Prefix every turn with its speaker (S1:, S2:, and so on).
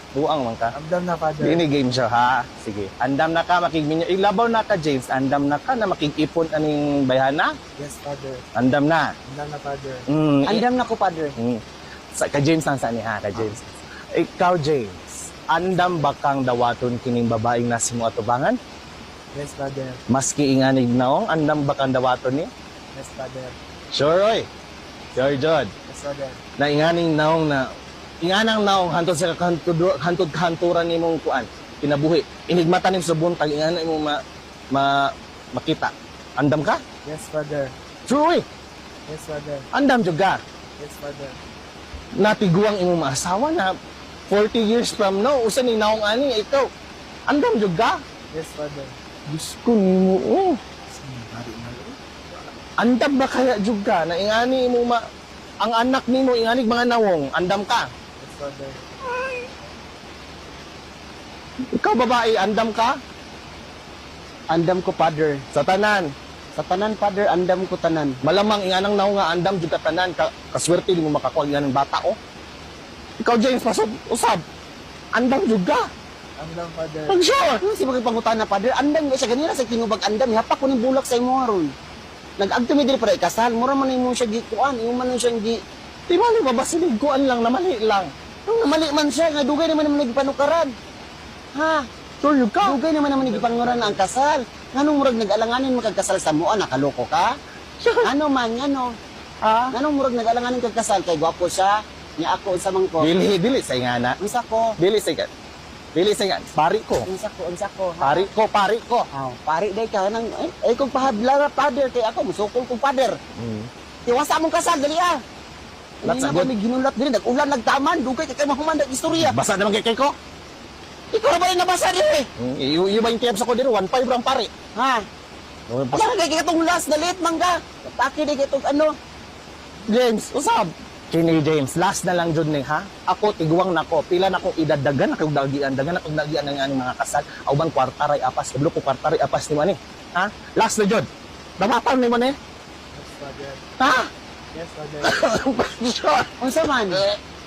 S1: Buang man ka.
S2: Andam na, Father.
S1: Dini game siya ha. Sige. Andam na ka makigminyo. Ilabaw na ka James. Andam na ka na makigipon aning bayhana.
S2: Yes, Father.
S1: Andam na.
S2: Andam na, Father.
S3: Andam na ko, Father.
S1: Ka James ang sani ha, ka James. Ikaw James, andam ba kang dawaton kining babaeng nasimo atubangan?
S2: Yes, Father.
S1: Maski inganig naong, andam ba kang dawaton ni?
S2: Yes, Father.
S1: Sure oy. Sure Jod.
S2: Yes, Father.
S1: Na inganing naong na inganang naong hantod sa hantod kanturan nimong kuan kinabuhi. Inigmata nim sa buntag inganay mo makita. Andam ka?
S2: Yes, Father.
S1: Sure oy.
S2: Yes, Father.
S1: Andam jud ka.
S2: Yes, Father.
S1: Natiguang imong maasawa na 40 years from now usa ni naong ani ikaw. Andam jud ka.
S2: Yes, Father.
S1: Diyos ko nimo. Andam ba kaya jud ka na ingani mo ang anak nimo inganig mga nawong andam ka.
S2: Yes, Father.
S1: Ikaw babae andam ka
S3: Andam ko, Father.
S1: sa tanan.
S3: Sa tanan, Father, andam ko tanan.
S1: Malamang inganang naong nga andam jud ka tanan kaswerte di mo makakuha ng bata oh. Ikaw James pasod usab. Andam jud ka.
S2: Andam, Father.
S1: Pag sure.
S3: Ano si mga pangutan na, Father? Andam siya ganira sa tinubag andam. Hapak ko ng bulak sa imo aron. Nag-agto mi diri para ikasal. Mura man imo siya gikuan. Imo man siya gi.
S1: Di ba ni babasilig kuan lang na mali lang.
S3: Nung mali man siya, nga dugay naman nagipanukaran. Ha?
S1: Sure you ka.
S3: Dugay naman nagipanguran ang kasal. Nganong murag nag-alanganin magkasal sa mua, nakaloko ka? Ano man, ano?
S1: Ah,
S3: Nganong murag nag-alanganin kagkasal kay gwapo siya? Niya ako unsa man ko.
S1: dili sa ingana.
S3: Unsa ko?
S1: Dili sa ingana. Dili sa ingana. Pari ko.
S3: Unsa ko? Ha?
S1: Pari ko.
S3: Oh, pari day ka nang ay kung pahabla ra father kay ako musukol kong father. Tiwasa mong kasal dali ah.
S1: That's a
S3: Hindi na
S1: good-
S3: kami ginulat diri nag-ulan nagtaman dugay kay mahuman dag istorya.
S1: Basa naman kay ko.
S3: Ikaw ra ba yung nabasa diri?
S1: Yung ba yung tiyaps ako dito? 1.5 lang pare.
S3: Ha? Ala kay katong last dalit mangga. Taki di kitong ano.
S1: James, usab. Kini James, last na lang jud ni ha. Ako tiguang nako, pila na kong idadagan na kog dagian, dagan na kog dagian ng aning mga kasal. Auban kwartaray apas, kablo ko kwartaray apas ni man ni. Ha? Last na jud. Damatan ni man eh.
S2: Yes, Father.
S1: Ha?
S2: Yes, Father.
S3: Unsa man?